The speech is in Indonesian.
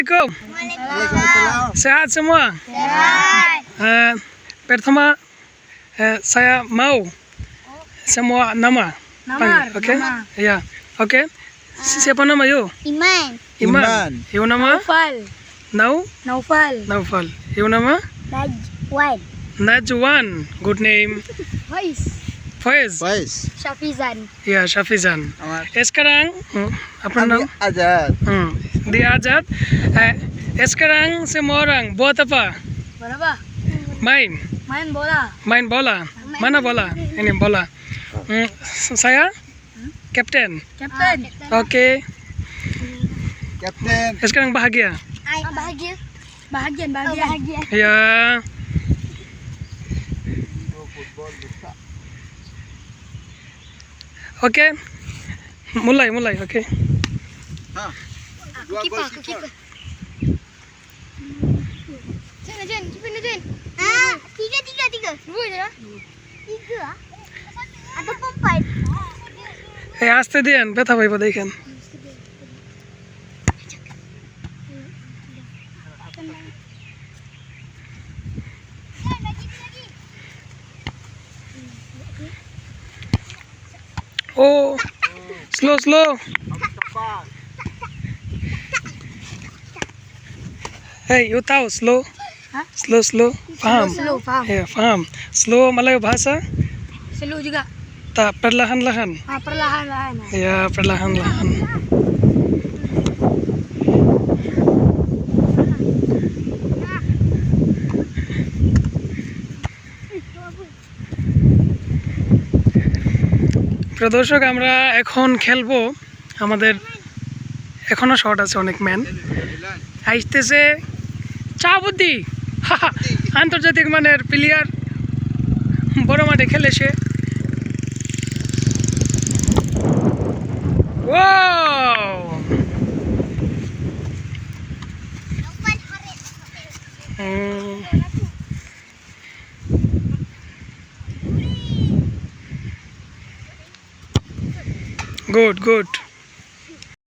Assalamualaikum. Sehat semua? Sehat. Pertama saya mau semua nama. Oke? Ya. Oke. Siapa nama you? Iman. Iman. You nama? Naufal. Naufal. You nama? Najwan. Najwan. Good name. Faiz. Syafizan. Ya, Syafizan. Sekarang apa nama? Azad. Dia Azad. Sekarang semua orang buat apa? Berapa? Main Bola. bola. Mana bola? Ini bola. Saya kapten. Oke. Kapten. Sekarang bahagia. Bahagia. Ya. Oke. Mulai. Oke. Kiper. Jen. Tiga. Dua je lah. Tiga. Atau empat. আস্তে দিয়েন ব্যথা পাইব দেখেন ও slow Hey, you tahu slow? Slow. Paham? Faham. Ya, paham. Slow Melayu bahasa? Slow juga. Tak, perlahan-lahan. Perlahan-lahan. Ya, perlahan-lahan. প্রিয় দর্শক আমরা এখন খেলবো আমাদের এখনো শট আছে অনেক ম্যান আইতেছে চাবুদ্দি আন্তর্জাতিক মানের প্লেয়ার বড় মাঠে খেলে সে গুড